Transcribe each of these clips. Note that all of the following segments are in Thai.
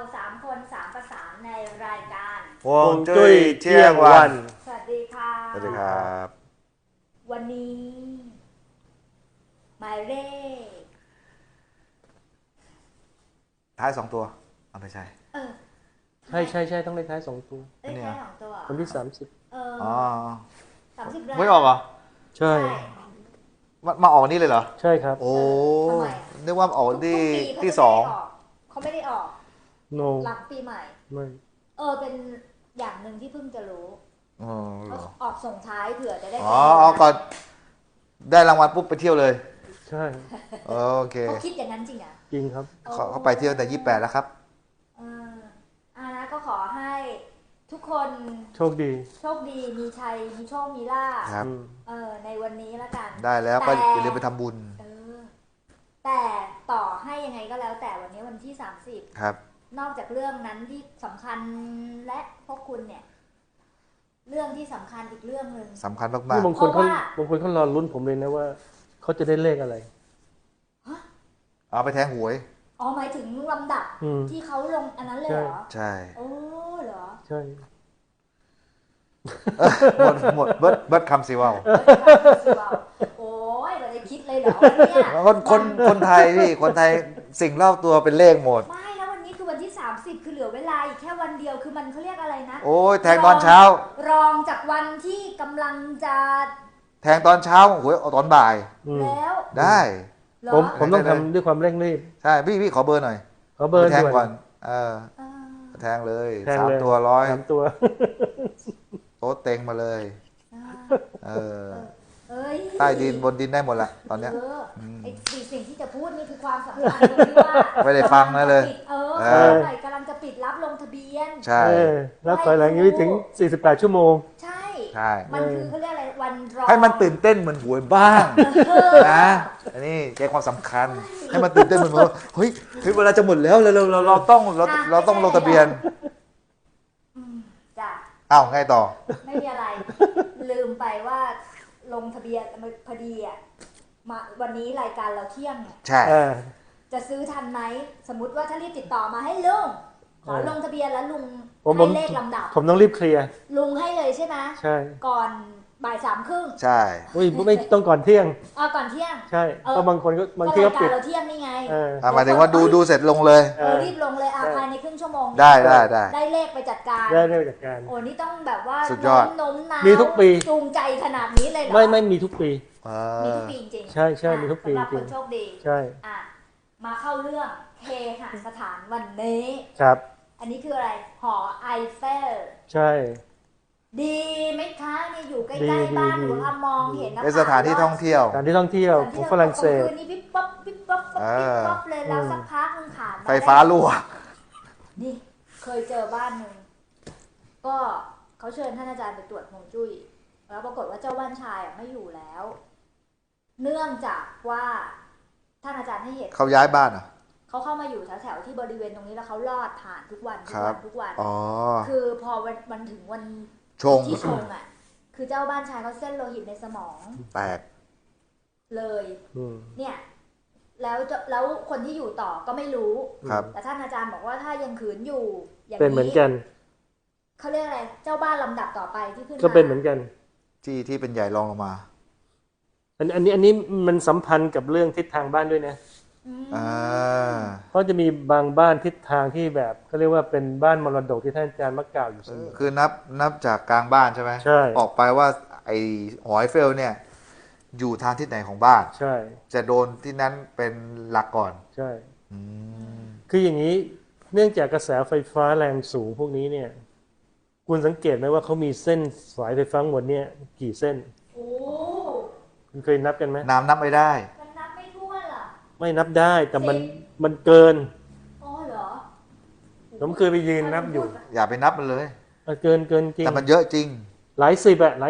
3 คน 3 ประสานในรายการฮวงจุ้ยเที่ยงวันสวัสดีค่ะสวัสดีครับวันนี้หมายเลขท้าย2 ตัวเอาไม่ใช่ใช่ต้องเลขท้าย2 ตัวเลขท้าย2 ตัววันที่อ๋อ 30 ไม่ออกเหรอ 30ใช่มาออกนี่เลยเหรอใช่ครับโอ้ทำไมนึกว่าออกที่ที่2 เขาไม่ได้ออก no หลังปีใหม่ไม่เป็นอย่างหนึ่งที่เพิ่งจะรู้อ๋อเหรอออกส่งท้ายเผื่อจะได้อ๋อเอาก่อนได้รางวัลปุ๊บไปเที่ยวเลยใช่โอเคเขาคิดอย่างนั้นจริงอ่ะจริงครับเขาไปเที่ยวแต่28แล้วครับนะก็ขอให้ทุกคนโชคดีโชคดีมีชัยมีโชคมีลาภครับในวันนี้ละกันได้แล้วก็อย่าลืมไปทำบุญแต่ต่อให้ยังไงก็แล้วแต่วันนี้วันที่30 ครับนอกจากเรื่องนั้นที่สำคัญและพวกคุณเนี่ยเรื่องที่สำคัญอีกเรื่องหนึ่งสำคัญมานี่กบางคนเขารอลุ้นผมเลยนะว่าเขาจะได้เลขอะไรๆเอาไปแทงหวยหมายถึงลำดับ ที่เขาลงอันนั้นเลยเหรอใช่โอ้เหรอใช่หมดเบิร์ดคำสิว่าวโอ้ยเราจะคิดเลยเหรอเนี่ยคนไทยพี่คนไทยสิ่งรอบตัวเป็นเลขหมดไม่แล้ววันนี้คือวันที่30คือเหลือเวลาอีกแค่วันเดียวคือมันเขาเรียกอะไรนะโอ้ยแทงตอนเช้ารองจากวันที่กำลังจะแทงตอนเช้าหวยเอาตอนบ่ายแล้วได้เหรอผมต้องทำด้วยความเร่งรีบใช่พี่ขอเบอร์หน่อยขอเบอร์แทงด่วนก่อนแทงเลยแทงเลย 3 ตัวร้อย 3 ตัวโต๊ะเต็งมาเลยเอ้ยใต้ดินบนดินได้หมดละตอนเนี้ยไอ้สิ่งที่จะพูดนี่คือความสำคัญตรงที่ว่าไม่ได้ฟังนะเลยกำลังจะปิดรับลงทะเบียนใช่รับถอยหลังยังไม่ถึง48 ชั่วโมงใช่ใช่มันคือเขาเรียกอะไรวันรอให้มันตื่นเต้นเหมือนหวยบ้างนะอันนี้ใจความสำคัญ ให้มันตื่นเต้นเหมือนว่าเฮ้ยเวลาจะหมดแล้วเราต้องลงทะเบียนจ้ะอ้าวไงต่อไม่มีอะไร ลืมไปว่าลงทะเบียนพอดีมาวันนี้รายการเราเที่ยงใช่จะซื้อทันไหมสมมติว่าถ้ารีบติดต่อมาให้ลุงขอลงทะเบียนแล้วลุงผมให้เลขลำดับผมต้องรีบเคลียร์ลุงให้เลยใช่ไหมใช่ก่อนบ่าย3:30 ใช่อุ้ยไม่ต้องก่อนเที่ยงก่อนเที่ยงใช่เพราะบางคนก็บางที่ก็รายปิการดเราเที่ยงนี่ไงหมายถึงว่าดูเสร็จลงเลยรีบลงเลยภายในครึ่งชั่วโมงได้ได้เลขไปจัดการได้เรื่องจัดการโอ้นี่ต้องแบบว่าสุดยอดโน้มน้าวมีทุกปีจูงใจขนาดนี้เลยเหรอไม่มีทุกปีมีทุกปีจริงๆใช่มีทุกปีสำหรับจริคงนโชคดีใช่มาเข้าเรื่องเฮหสถานวันนี้ครับอันนี้คืออะไรหอไอเฟลใช่ดีไหมคะนี่อยู่ใกดีล้ๆบ้านดีหนูมองเห็นนะเป็นสถานที่ท่องเที่ยวสถานที่ท่องเที่ยวของฝรั่งเศสคืนนี้ปิ๊บป๊บปิ๊บป๊บปิ๊บป๊บเลยแล้วสักพักนึงผ่านมาไฟฟ้ารั่วนี่เคยเจอบ้านหนึ่งก็เขาเชิญท่านอาจารย์ไปตรวจฮวงจุ้ยแล้วปรากฏว่าเจ้าบ้านชายไม่อยู่แล้ว เนื่องจากว่าท่านอาจารย์ให้เหตุเขาย้ายบ้านเหรอเขาเข้ามาอยู่แถวๆที่บริเวณตรงนี้แล้วเขาลอดผ่านทุกวันอ๋อคือพอวันถึงวันชงที่ชงคือเจ้าบ้านชายเขาเส้นโลหิตในสมองแตกเลยเนี่ยแล้วคนที่อยู่ต่อก็ไม่รู้ครับแต่ท่านอาจารย์บอกว่าถ้ายังขืนอยู่อย่างเป็นเหมือนนี้กันเขาเรียกอะไรเจ้าบ้านลำดับต่อไปที่ขึ้นมาก็เป็นเหมือนกันที่เป็นใหญ่รองลงมาอันนี้มันสัมพันธ์กับเรื่องทิศทางบ้านด้วยนะเพราะจะมีบางบ้านทิศทางที่แบบเขาเรียกว่าเป็นบ้านมรดกที่ท่านอาจารย์มักกล่าวอยู่เสมอคือนับจากกลางบ้านใช่ไหมใช่ออกไปว่าไอ้หอยเฟลเนี่ย อยู่ทางทิศไหนของบ้านใช่จะโดนที่นั้นเป็นหลักก่อนใช่คืออย่างนี้เนื่องจากกระแสไฟฟ้าแรงสูงพวกนี้เนี่ยคุณสังเกตไหมว่าเขามีเส้นสายไฟฟ้าหมดเนี่ยกี่เส้นโอ้คุณเคยนับกันไหมน้ำนับไม่ได้มันนับไม่ถ้วนเหรอไม่นับได้แต่มันเกินอ๋อเหรอผมเคยไปยืนนับอยู่อย่าไปนับมันเลยเกินจริงแต่มันเยอะจริงหลาย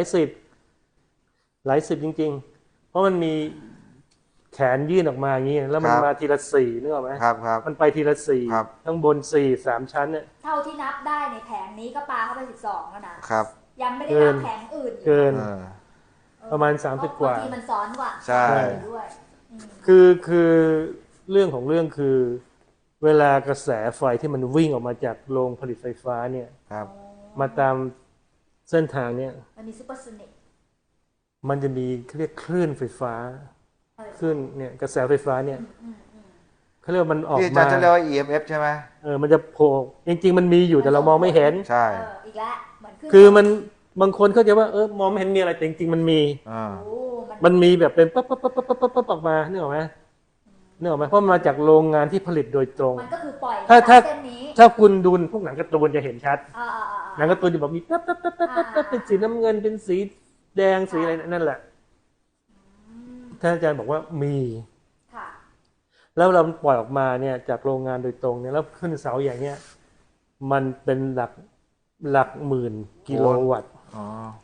สิบจริงๆ เพราะมันมีแขนยื่นออกมาอย่างนี้แล้วมันครับมาทีละสี่นึกออกไหมครับมันไปทีละสี่ครับข้างบน3 ชั้นเนี่ยเท่าที่นับได้ในแผงนี้ก็ปาเข้าไป12แล้วนะครับยังไม่ได้นับแผงอื่นอีกเกินเออประมาณ30กว่าบงทีมันซ้อนกว่าใช่ด้วยคือเรื่องของเรื่องคือเวลากระแสไฟที่มันวิ่งออกมาจากโรงผลิตไฟฟ้าเนี่ยครับมาตามเส้นทางเนี่ยมันมีซูเปอร์โซนิกมันจะมีเขาเรียกคลื่นไฟฟ้าคลื่นเนี่ยกระแสไฟฟ้าเนี่ยเขาเรียกว่ามันออกที่อาจารมาย์จะเรียกว่า EMF ใช่ไหมมันจะโผล่จริงๆมันมีอยู่แต่เรามองไม่เห็นใช่อีกแล้วเหมือนขึ้นคือมันบางคนเข้าใจว่ามองไม่เห็นมีอะไรแต่จริงๆมันมีอ่าโอ้มันมีแบบเป็นปั๊บปั๊บปั๊บปั๊บปั๊บปั๊บออกมานึกออกไหมนึกออกไหมเพราะมันมาจากโรงงานที่ผลิตโดยตรงมันก็คือปล่อยถ้าเส้นนี้ถ้าคุณดูพวกหนังการ์ตูนจะเห็นชัดอ่าหนังการ์ตูนจะบอกมีปั๊บปั๊บปั๊บปั๊บปั๊บเป็นสีน้ำเงินเป็นสีแดงสีอะไรนั่นแหละท่านอาจารย์บอกว่ามีค่ะแล้วเราปล่อยออกมาเนี่ยจากโรงงานโดยตรงเนี่ยแล้วขึ้นเสาอย่างเนี้ยมันเป็นหลักหมื่นกิโลวัตต์อ๋อ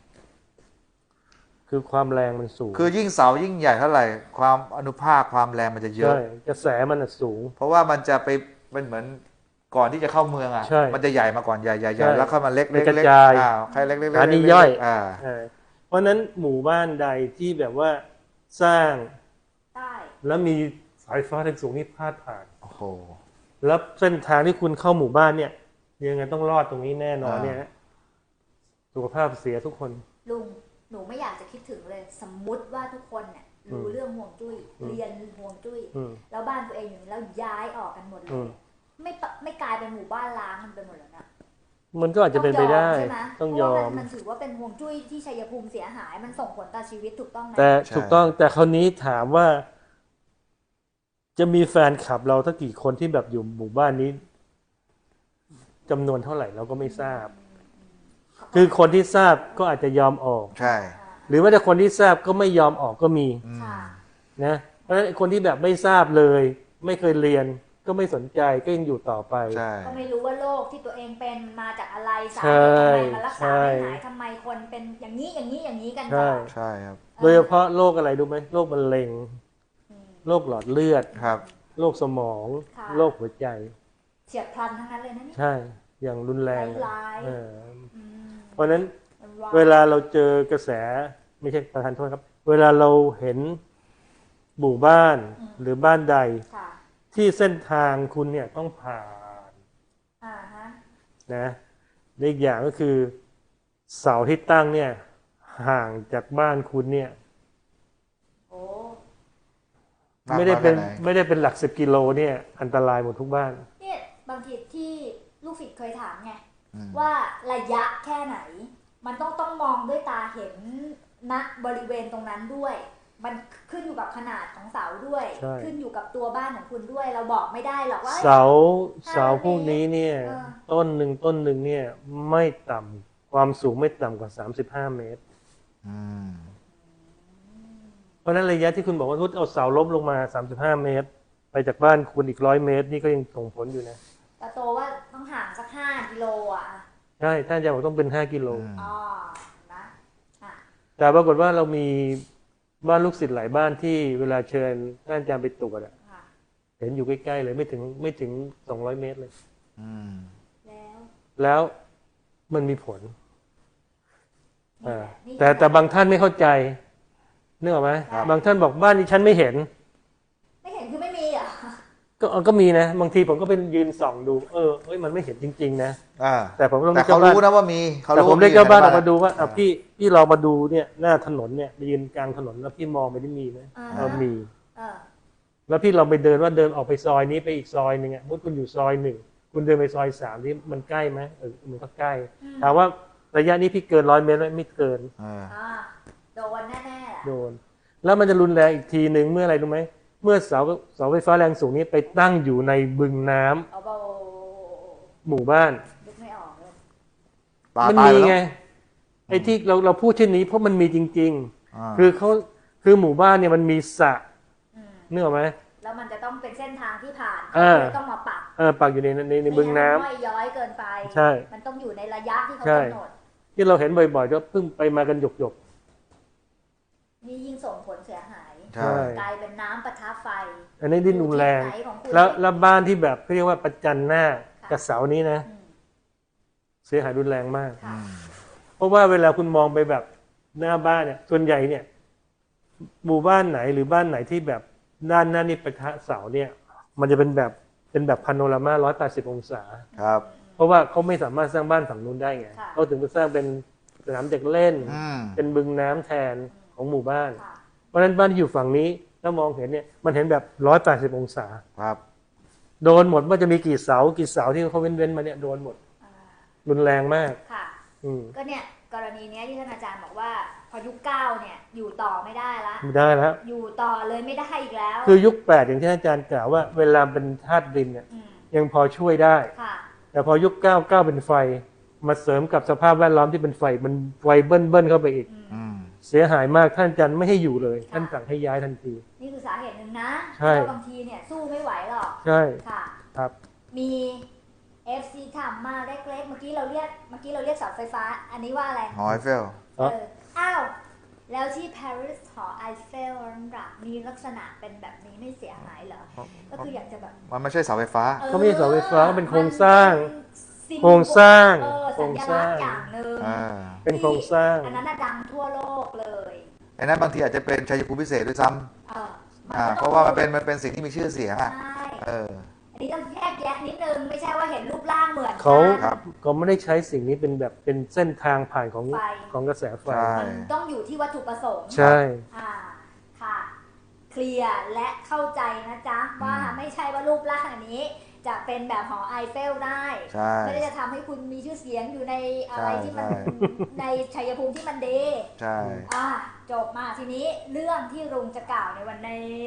คือความแรงมันสูงคือยิ่งเสายิ่งใหญ่เท่าไหร่ความอนุภาคความแรงมันจะเยอะใช่กระแสมันน่ะสูงเพราะว่ามันจะไปเป็นเหมือนก่อนที่จะเข้าเมืองอ่ะใช่มันจะใหญ่มาก่อนใหญ่ใช่แล้วค่อยมาเล็กมันกระเล็กจายใครเล็กเล็กอันนี้ย่อย เพราะฉะนั้นหมู่บ้านใดที่แบบว่าสร้างใต้แล้วมีสายฟ้าแรงสูงนี่พาดผ่านโอ้โหแล้วเส้นทางที่คุณเข้าหมู่บ้านเนี่ยยังไงต้องรอดตรงนี้แน่นอนเนี่ยสุขภาพเสียทุกคนลุงหนูไม่อยากจะคิดถึงเลย สมมุติว่าทุกคนเนี่ยรู้เรื่องห่วงจุ้ยเรียนห่วงจุ้ยแล้วบ้านตัวเองอยู่นี่แล้วย้ายออกกันหมดเลยไม่กลายเป็นหมู่บ้านล้างมันไปหมดแล้วนะมันก็อาจจะเป็นไปได้ใช่ไหมต้องยอมมันถือว่าเป็นห่วงจุ้ยที่ชัยภูมิเสียหายมันส่งผลต่อชีวิตถูกต้องไหมแต่ถูกต้องแต่คราวนี้ถามว่า จะมีแฟนคลับเราทั้งกี่คนที่แบบอยู่หมู่บ้านนี้จำนวนเท่าไหร่เราก็ไม่ทราบ คือคนที่ทราบก็อาจจะยอมออกใช่หรือว่าแต่คนที่ทราบก็ไม่ยอมออกก็มีค่ะนะเพราะฉะนั้นคนที่แบบไม่ทราบเลย ไม่เคยเรียนก็ไม่สนใจก็ยังอยู่ต่อไปใช่ก็ไม่รู้ว่าโรคที่ตัวเองเป็นมาจากอะไรสาใช่เหตุทำไมมันรักษาไม่หายทำไมคนเป็นอย่างนี้กันใช่ต่อใช่ครับโดยเฉพาะโรคอะไรรู้ไหมโรคมะเร็งโรคหลอดเลือดครับโรคสมองโรคหัวใจเฉียบพลันทั้งนั้นเลยนะเนี่ยใช่อย่างรุนแรงร้ายๆเอออืมเพราะฉะนั้นมันร้ายเวลาเราเจอกระแสไม่ใช่ประธานโทษครับ เวลาเราเห็นหมู่บ้านหรือบ้านใดค่ะที่เส้นทางคุณเนี่ยต้องผ่านฮะนะและอีกอย่างก็คือเสาที่ตั้งเนี่ยห่างจากบ้านคุณเนี่ยโอ้ไม่ได้เป็นมากน้อยแค่ไหนไม่ได้เป็นหลัก10 กิโลเนี่ยอันตรายหมดทุกบ้านเนี่ยบางทีที่ลูกศิษย์เคยถามไงอืมว่าระยะแค่ไหน มันต้องมองด้วยตาเห็นณบริเวณตรงนั้นด้วย มันขึ้นอยู่กับขนาดของเสาด้วยใช่ขึ้นอยู่กับตัวบ้านของคุณด้วย เราบอกไม่ได้หรอกว่าเสาพวกนี้เนี่ยเออต้นหนึ่งเนี่ยไม่ต่ำความสูงไม่ต่ำกว่า35 เมตรอืมเพราะฉะนั้นระยะที่คุณบอกว่าทุดเอาเสาล้มลงมา35 เมตร ไปจากบ้านคุณอีก100 เมตร นี่ก็ยังส่งผลอยู่นะแต่โตว่าต้องห่างสัก5 กิโลอ่ะใช่ท่านอาจารย์บอกต้องเป็น5 กิโลอ๋อนะอ่ะแต่ปรากฏว่าเรามีบ้านลูกศิษย์หลายบ้านที่เวลาเชิญท่านอาจารย์ไปตรวจอะค่ะเห็นอยู่ใกล้ๆเลยไม่ถึง200 เมตรเลยอืมแล้วแล้วมันมีผลนี่แหละนี่แต่บางท่านไม่เข้าใจนึกออกไหมครับบางท่านบอกบ้านนี้ฉันไม่เห็นไม่เห็นคือไม่มีเหรอ่ะก็มีนะ บางทีผมก็เป็นยืนส่องดูเฮ้ยมันไม่เห็นจริงๆนะอ่าแต่ผมก็ต้องแต่เรียกเขาเจ้าบ้านรู้นะว่ามีเขาแต่รู้ผมเรียกเจ้าบ้านออกมาในดูว่าพี่ลองมาดูเนี่ยหน้าถนนเนี่ยไปยืนกลางถนนแล้วพี่มองไปที่มีไหมมีเออแล้วพี่ลองไปเดินว่าเดินออกไปซอยนี้ไปอีกซอยหนึ่งอ่ะมุดคุณอยู่ซอย1คุณเดินไปซอย3ที่มันใกล้ไหมมันก็ใกล้ถามว่าระยะนี้พี่เกิน100 เมตรไหมไม่เกินอ่าโดนแน่ๆแหละโดนแล้วมันจะรุนแรงอีกทีหนึ่งเมื่ออะไรรู้ไหมเมื่อเสาไฟฟ้าแรงสูงนี้ไปตั้งอยู่ในบึงน้ำเอาเบาหมู่บ้านนึกไม่ออกเลยปลามันตายมีแล้วไงไอ้ที่เราพูดเช่นนี้เพราะมันมีจริงอ่าๆ คือหมู่บ้านเนี่ยมันมีสระอืมนึกออกไหมแล้วมันจะต้องเป็นเส้นทางที่ผ่านเออเลยต้องมาปักปักอยู่ในบึงน้ำไม่ให้มัย้อยเกินไปใช่มันต้องอยู่ในระยะที่เขาใช่กำหนดที่เราเห็นบ่อยๆก็เพิ่งไปมากันหยกนี่ยิ่งส่งผลเสียหายๆใช่กลายเป็นน้ำปะทะไฟอันนี้ดิ้นรุนแรงอยู่ที่ไหนของคุณแล้วบ้านที่แบบเขาเรียกว่าประจันหน้าค่ะกับเสานี้นะอืมเสียหายรุนแรงมากค่ะเพราะว่าเวลาคุณมองไปแบบหน้าบ้านเนี่ยส่วนใหญ่เนี่ยหมู่บ้านไหนหรือบ้านไหนที่แบบด้านหน้านี่ปะทะเสาเนี่ย มันจะเป็นแบบเป็นแบบพาโนรามา180 องศาครับเพราะว่าเขาไม่สามารถสร้างบ้านฝั่งนู้นได้ไงค่ะเขาถึงไปสร้างเป็นสนามเด็กเล่นอืมเป็นบึงน้ำแทนของหมู่บ้านค่ะเพราะฉะนั้นบ้านที่อยู่ฝั่งนี้ถ้ามองเห็นเนี่ยมันเห็นแบบ180 องศาครับโดนหมดว่าจะมีกี่เสาที่เขาเว้นมาเนี่ยโดนหมดอ่ารุนแรงมากค่ะอืมก็เนี่ยกรณีเนี้ยที่ท่านอาจารย์บอกว่าพอยุค 9เนี่ยอยู่ต่อไม่ได้ละไม่ได้แล้วอยู่ต่อเลยไม่ได้อีกแล้วคือยุค8อย่างที่อาจารย์กล่าวว่าเวลาเป็นธาตุดินเนี่ยมยังพอช่วยได้ค่ะแต่พอยุค9เป็นไฟมาเสริมกับสภาพแวดล้อมที่เป็นไฟมันไฟเบิ้ลเข้าไปอีกอืมเสียหายมากท่านอาจารย์ไม่ให้อยู่เลย ท่านสั่งให้ย้ายทันทีนี่คือสาเหตุหนึ่งนะใช่เพราะบางทีเนี่ยสู้ไม่ไหวหรอกใช่ค่ะครับมี FC ถามมาเล็กๆเมื่อกี้เราเรียกเสาไฟฟ้า อันนี้ว่าอะไรหอไอเฟลอ๋ออ้าวแล้วที่ปารีสหอไอเฟลนั่นล่ะมีลักษณะเป็นแบบนี้ไม่เสียหายเหรอ ก็คืออยากจะแบบมันไม่ใช่เสาไฟฟ้าก็ไม่ใช่เสาไฟฟ้าก็เป็นโครงสร้างมันเป็นโครงสร้างสัญลักษณ์อย่างหนึ่งอ่าเป็นโครงสร้างอันนั้นน่ะดังทั่วโลกเลยไอ้นั้นบางทีอาจจะเป็นชัยภูมิพิเศษด้วยซ้เออำเพราะว่ามันเป็นสิ่งที่มีชื่อเสียงอ่ะใช่เอออันนี้ต้องแยกแยะนิดนึงไม่ใช่ว่าเห็นรูปร่างเหมือนเขากันครับก็ไม่ได้ใช้สิ่งนี้เป็นแบบเป็นเส้นทางผ่านของไฟของกระแสไฟใช่มันต้องอยู่ที่วัตถุประสงค์ใช่ค่ะ เคลียร์และเข้าใจนะจ๊ะ ว่าไม่ใช่ว่ารูปร่างอันนี้ จะเป็นแบบหอไอเฟลได้ใช่ไม่ได้จะทำให้คุณมีชื่อเสียงอยู่ในอะไรใช่ที่มันใช่ในชัยภูมิที่มันดีใช่จบมาทีนี้เรื่องที่ลุงจะกล่าวในวันนี้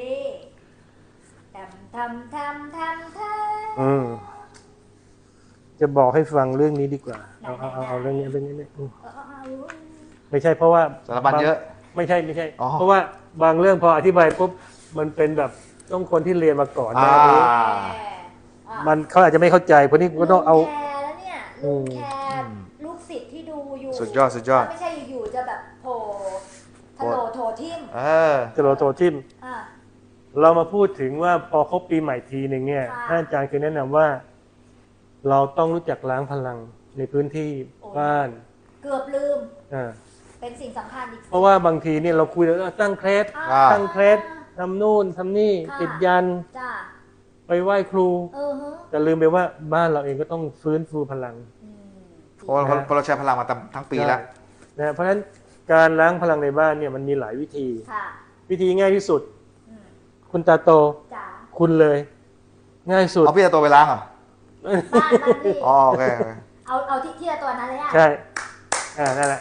ทำอืมจะบอกให้ฟังเรื่องนี้ดีกว่าไหนเอาเรื่องนี้อืมเอาไม่ใช่เพราะว่าสารบัญเยอะไม่ใช่อ๋อเพราะว่าบางเรื่องพออธิบายปุ๊บมันเป็นแบบต้องคนที่เรียนมาก่อนหน้านี้ มันเขาอาจจะไม่เข้าใจเพราะนี่ก็ต้องเอาลุงแคร์แล้วเนี่ยลุงแคร์ลูกศิษย์ที่ดูอยู่สุดยอดสุดยอดไม่ใช่อยู่ๆจะแบบโผล่ทะโหลโถทิ่มเออจะโรโตทิมอ่ะเรามาพูดถึงว่าพอครบปีใหม่ทีหนึ่งเนี่ยค่ะท่านอาจารย์เคยแนะนำว่า เราต้องรู้จักล้างพลังในพื้นที่บ้านเกือบลืมอ่าเป็นสิ่งสำคัญอีกเพราะว่าบางทีเนี่ยเราคุยแล้วตั้งเคล็ดอ่าตั้งเคล็ดทำนู่นทำนี่ค่ะติดยันจ้าไปไหว้ครูฮะแต่ลืมไปว่าบ้านเราเองก็ต้องฟื้นฟูพลังอืมเพราะเราใช้พลังมาทั้งปีแล้วนะเพราะฉะนั้นการล้างพลังในบ้านเนี่ยมันมีหลายวิธีค่ะวิธีง่ายที่สุดอืมคุณตาโตจ๋าคุณเลย ง่ายสุดเอาพี่จะตัวไปล้างเหรอบ้านพี่อ๋อโอเคโอเคเอาที่ละตัวนั้นเลยอ่ะใช่นั่นแหละ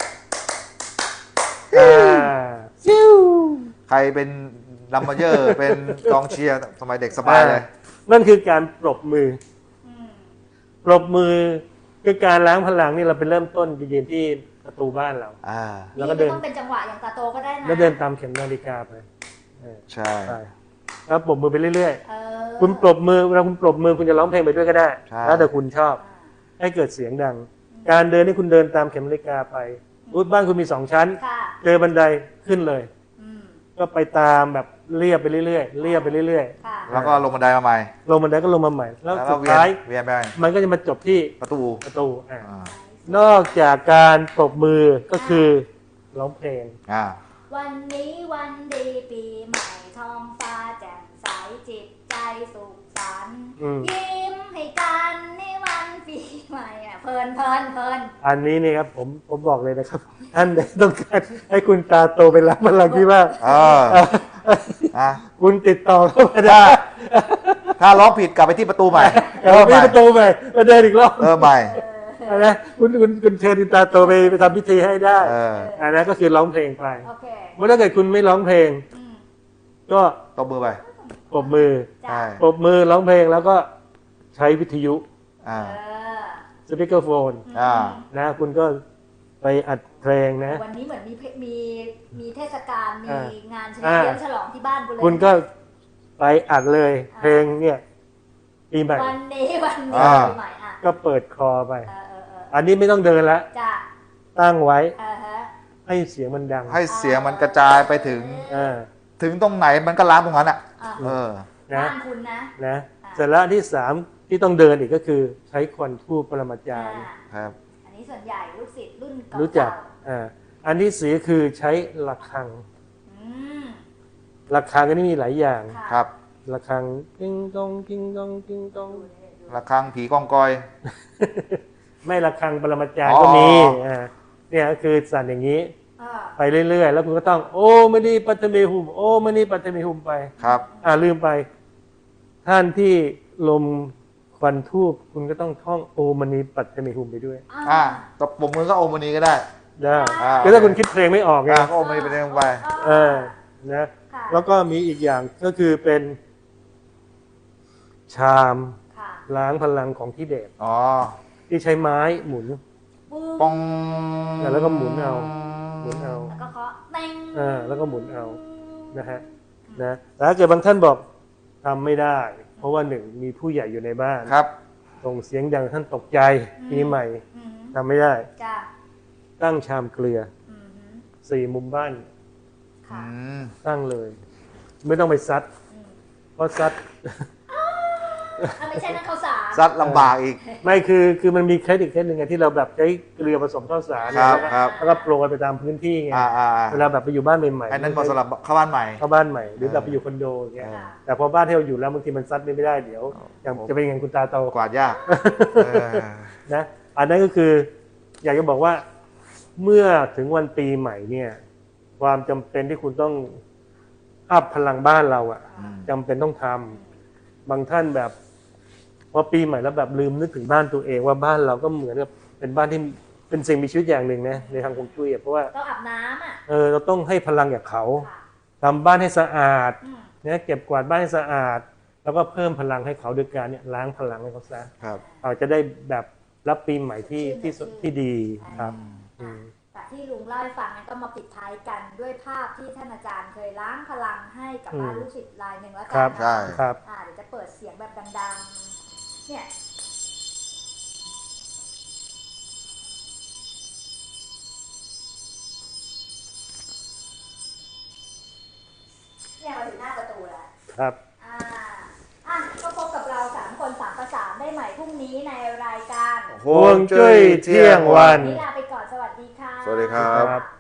ซิวใครเป็นดัมเมเยอร์ เป็นกองเชียร์สมัยเด็กสบายเลยนั่นคือการปรบมืออืมปรบมือคือการล้างพลังนี่เราเป็นเริ่มต้นยืนที่ประตูบ้านเราอ่าแล้วก็เดินไม่ต้องเป็นจังหวะอย่างตาโตก็ได้นะแล้วเดินตามเข็มนาฬิกาไปใช่ไปแล้วปรบมือไปเรื่อยเออๆ คุณปรบมือเวลาคุณปรบมือคุณจะร้องเพลงไปด้วยก็ได้ใช่แล้วแต่คุณชอบ ให้เกิดเสียงดัง การเดินนี่คุณเดินตามเข็มนาฬิกาไปบ้านคุณมี2 ชั้นค่ะเจอบันไดขึ้นเลยอืมก็ไปตามแบบเรียบไปเรื่อยๆเรียบไปเรื่อยค่ะแล้วก็ลงบันไดมาใหม่ๆลงบันไดก็ลงมาใหม่ แล้วแล้วสุก็ดเวียนท้ายเวียนไปมันก็จะมาจบที่ประตูประตูอ่านอกจากการปรบมือก็คือร้องเพลงอ่าวันนี้วันดีปีใหม่ท้องฟ้าแจ่มใสจิตใจสุขสันต์อืมยิ้มให้กันในวันปีใหม่อ่ะเพลินอันนี้นี่ครับผมบอกเลยนะครับ ท่านใดต้องการให้คุณตาโตไปรับพลังที่บ้านเอออ่ะคุณติดต่อเข้ามาได้ถ้าร้องผิดกลับไปที่ประตูใหม่เอาไปประตูไปมาเดินอีกรอบใหม่นะคุณเชิญคุณตาโตไปทำพิธีให้ได้เอออันนั้นก็คือร้องเพลงไปโอเคเมื่อถ้าเกิดคุณไม่ร้องเพลงอืมก็ตบมือไปปรบมือจ้ะใช่ปรบมือร้องเพลงแล้วก็ใช้วิทยุอ่าเออสปีกเกอร์โฟนอ่านะคุณก็ไปอัดเพลงนะวันนี้เหมือนมีเทศกาลมีอ่างานเฉอ่าลิมฉลองที่บ้านกูเลยคุณก็ไปอัดเลยเพลงเนี่ยปีใหม่วันนี้วันนี้อ่าปีใหม่อ่ะก็เปิดคอไปเอออันนี้ไม่ต้องเดินละจ้ะตั้งไว้ฮะให้เสียงมันดังให้เสียงมันกระจายไปถึงอ่าถึงตรงไหนมันก็ล้างตรงนั้นอ่ะอ่ะเออนะบ้านคุณนะนะอ่าเสร็จแล้วอันที่3ที่ต้องเดินอีกก็คือใช้ควันทูปปรมาจารย์ครับอันนี้ส่วนใหญ่ลูกศิษย์รุ่นเก่าๆรู้จักอันที่4คือใช้ระฆังอืมระฆังก็นี่มีหลายอย่างค่ะครับระฆังกิ้งกองกิ้งกองกิ้งกองระฆังผีกองกอยไม่ระฆังปรมาจารย์ก็มี เนี่ยก็คือสั่นอย่างนี้อ่าไปเรื่อยๆแล้วคุณก็ต้องโอ้มณีปัตตเมหุมโอ้มณีปัตตเมหุมไปครับลืมไป ท่านที่ลมควันทูบคุณก็ต้องท่องโอมณีปัตตเมหุมไปด้วยตบปมมือก็โอมณีก็ได้ได้อ่าคือถ้าคุณคิดเพลงไม่ออกไงก็โอมณีไปเรื่อยไปนะค่ะแล้วก็มีอีกอย่างก็คือเป็นชามค่ะล้างพลังของทิเบตอ๋อที่ใช้ไม้หมุนปึ้งปองแล้วก็หมุนเอา หมุนเอาแล้วก็เคาะเต็งแล้วก็หมุนเอานะฮะนะแต่ถ้าเกิดบางท่านบอกทำไม่ได้ เพราะว่าหนึ่งมีผู้ใหญ่อยู่ในบ้านครับส่งเสียงดังท่านตกใจปีใหม่อืมทำไม่ได้จ้ะตั้งชามเกลืออืม 4 มุมบ้านค่ะตั้งเลย ไม่ต้องไปซัดอืมเพราะซัดไม่ใช่นั่นข้าวสารซัดลำบากอีกไม่คือมันมีเคสอีกเคสหนึ่งไงที่เราแบบใช้เกลือผสมข้าวสารครับแล้วก็ครับแล้วก็โปรยไปตามพื้นที่ไง เวลาแบบไปอยู่บ้านใหม่ๆอันนั้นเหมาะสำหรับเข้าบ้านใหม่เข้าบ้านใหม่หรือแบบไปอยู่คอนโดอย่างเงี้ยค่ะแต่พอบ้านที่เราอยู่แล้วบางทีมันซัดไม่ได้เดี๋ยวอย่างจะเป็นอย่างคุณตาโตกวาดยากเออนะอันนั้นก็คืออยากจะบอกว่าเมื่อถึงวันปีใหม่เนี่ยความจำเป็นที่คุณต้องอัพพลังบ้านเราอะจำเป็นต้องทำบางท่านแบบพอปีใหม่แล้วแบบลืมนึกถึงบ้านตัวเองว่าบ้านเราก็เหมือนกับเป็นบ้านที่เป็นสิ่งมีชีวิตอย่างหนึ่งนะในทางฮวงจุ้ยอะเพราะว่าต้องอาบน้ำอ่ะเราต้องให้พลังกับเขาค่ะทำบ้านให้สะอาดอืมนะเก็บกวาดบ้านให้สะอาด แล้วก็เพิ่มพลังให้เขาด้วยการเนี่ยล้างพลังให้เขาซะครับเราจะได้แบบรับปีใหม่ที่ดีครับอ่ะแต่ที่ลุงเล่าให้ฟังนั้นก็มาปิดท้ายกันด้วยภาพที่ท่านอาจารย์เคยล้างพลังให้กับบ้านลูกศิษย์รายหนึ่งแล้วกัครับนะใช่ครับเดี๋ยวจะเปิดเสียงแบบดังๆ เนี่ย เนี่ยมาถึงหน้าประตูแล้วครับก็พบกับเรา3 คน3 ประสานได้ใหม่พรุ่งนี้ในรายการฮวงจุ้ยเที่ยงวันนี่ลาไปก่อน สวัสดีค่ะสวัสดีครับครับ